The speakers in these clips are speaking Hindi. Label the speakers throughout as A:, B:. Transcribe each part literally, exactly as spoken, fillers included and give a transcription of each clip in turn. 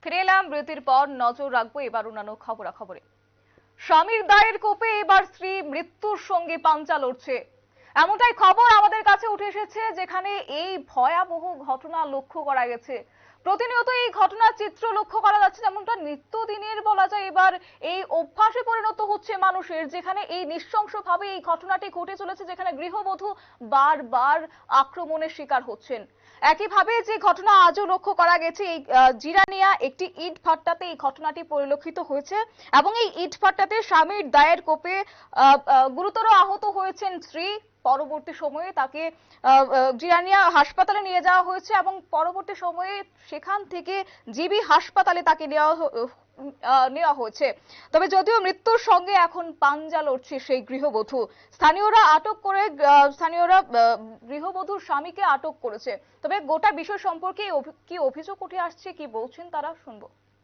A: ফিরে এলাম বিরতির পর। নজর রাখবো এবার অন্যান্য খবরাখবরে। স্বামীর দায়ের কোপে এবার স্ত্রী মৃত্যুর সঙ্গে পাঞ্জা লড়ছে, এমনটাই খবর আমাদের কাছে উঠে এসেছে, যেখানে এই ভয়াবহ ঘটনা লক্ষ্য করা গেছে। প্রতিনিয়ত এই ঘটনার চিত্র লক্ষ্য করা যাচ্ছে, যেমনটা নিত্যদিনের বলা যায় এবার এই অভ্যাসে পরিণত হচ্ছে মানুষের, যেখানে এই নৃশংসভাবে এই ঘটনাটি ঘটে চলেছে, যেখানে গৃহবধূ বারবার আক্রমণের শিকার হচ্ছেন। একইভাবে যে ঘটনা আজও লক্ষ্য করা গেছে, এই জিরানিয়া একটি ইট ভাট্টাতে এই ঘটনাটি পরিলক্ষিত হয়েছে এবং এই ইট ভাট্টাতে স্বামীর দায়ের কোপে গুরুতর আহত হয়েছেন স্ত্রী। পরবর্তী সময়ে তাকে জিরানিয়া হাসপাতালে নিয়ে যাওয়া হয়েছে এবং পরবর্তী সময়ে সেখান থেকে জিবি হাসপাতালে তাকে নেওয়া নেওয়া হয়েছে। তবে যদিও মৃত্যুর সঙ্গে এখন পাঞ্জা লড়ছে সেই গৃহবধূ, স্থানীয়রা আটক করে স্থানীয়রা গৃহবধূর স্বামীকে আটক করেছে। তবে গোটা বিষয় সম্পর্কে কি অভিযোগ উঠে আসছে, কি বলছেন তারা, শুনবো।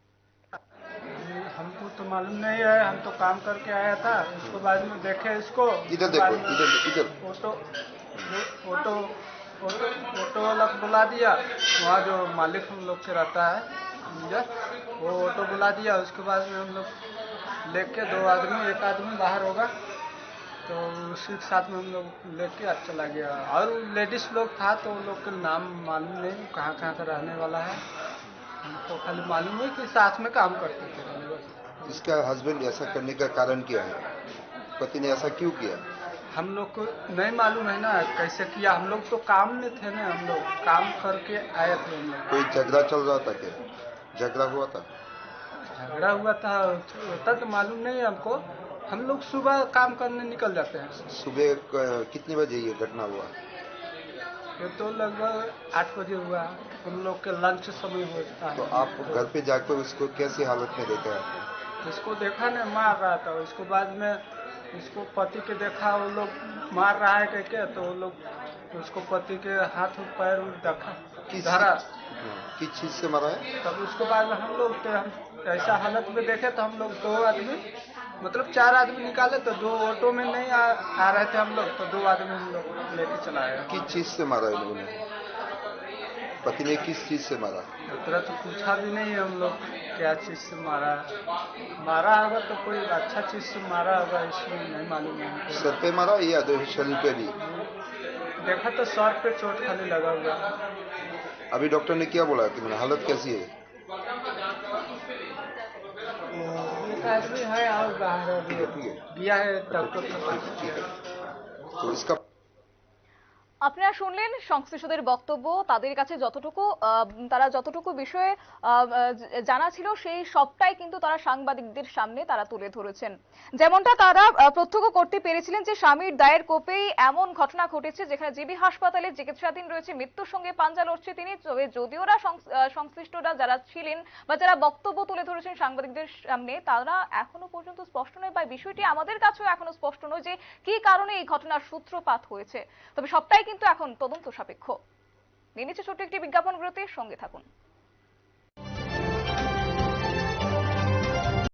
B: हमको तो मालूम नहीं है, हम तो काम करके आया था, उसके बाद में देखे इसको।
C: इधर देखो, इधर इधर
B: फोटो फोटो फोटो फोटो वाला बुला दिया, वहाँ जो मालिक हम लोग के रहता है वो ऑटो बुला दिया। उसके बाद में हम लोग लेके दो आदमी, एक आदमी बाहर होगा तो उसी के साथ में हम लोग लेके आज चला गया। और लेडीज लोग था तो उन लोग के नाम मालूम नहीं, कहाँ कहाँ का रहने वाला है, हमको खाली मालूम है कि साथ में काम करते थे।
C: इसका हस्बैंड ऐसा करने का कारण क्या है? पति ने ऐसा क्यों किया?
B: हम लोग को नहीं मालूम है ना कैसे किया, हम लोग तो काम में थे ना, हम लोग काम करके आए थे। हम लोग
C: कोई झगड़ा चल रहा था क्या? झगड़ा हुआ था?
B: झगड़ा हुआ था होता तो मालूम नहीं हमको। हम लोग सुबह काम करने निकल जाते हैं।
C: सुबह कितने बजे ये घटना हुआ?
B: ये तो लगभग आठ बजे हुआ, हम लोग के लंच समय होता है।
C: तो आप घर पे जाकर उसको कैसी हालत में देखा है?
B: इसको देखा ना मार रहा था, उसके बाद में इसको पति के देखा वो लोग मार रहा है कह के, तो वो लोग उसको पति के हाथ पैर देखा धरा।
C: किस चीज से मारा है?
B: तब उसके बाद में हम लोग ऐसा हालत में देखे तो हम लोग दो आदमी, मतलब चार आदमी निकाले, तो दो ऑटो में नहीं आ, आ रहे थे हम लोग, तो दो आदमी हम लोग लेके चलाए।
C: किस चीज से मारा है लोगों ने? पति ने किस चीज से मारा?
B: उतना तो पूछा भी नहीं हम लोग क्या चीज से मारा। मारा होगा तो कोई अच्छा चीज से मारा होगा, इसमें नहीं मालूम है।
C: सर पे मारा या शरीर पे भी?
B: देखा तो सर पे चोट खाली लगा हुआ।
C: अभी डॉक्टर ने क्या बोला कि मेरी हालत कैसी है?
B: आदमी है और बाहर दिया है डॉक्टर।
C: तो इसका
A: আপনারা শুনলেন সংশ্লিষ্টদের বক্তব্য। তাদের কাছে যতটুকু তারা যতটুকু বিষয়ে জানা ছিল সেই সবটাই কিন্তু তারা সাংবাদিকদের সামনে তারা তুলে ধরেছেন। যেমনটা তারা প্রত্যক্ষ করতে পেরেছিলেন যে স্বামীর দায়ের কোপেই এমন ঘটনা ঘটেছে, যেখানে জিবি হাসপাতালে চিকিৎসাধীন রয়েছে, মৃত্যুর সঙ্গে পাঞ্জা লড়ছে তিনি। তবে যদিও সংশ্লিষ্টরা যারা ছিলেন বা যারা বক্তব্য তুলে ধরেছেন সাংবাদিকদের সামনে, তারা এখনো পর্যন্ত স্পষ্ট নয় বা বিষয়টি আমাদের কাছেও এখনো স্পষ্ট নয় যে কি কারণে এই ঘটনার সূত্রপাত হয়েছে। তবে সবটাই কিন্তু এখন তদন্ত সাপেক্ষ। নিয়ে নিচ্ছে ছোট্ট একটি বিজ্ঞাপন বিরতি, সঙ্গে থাকুন।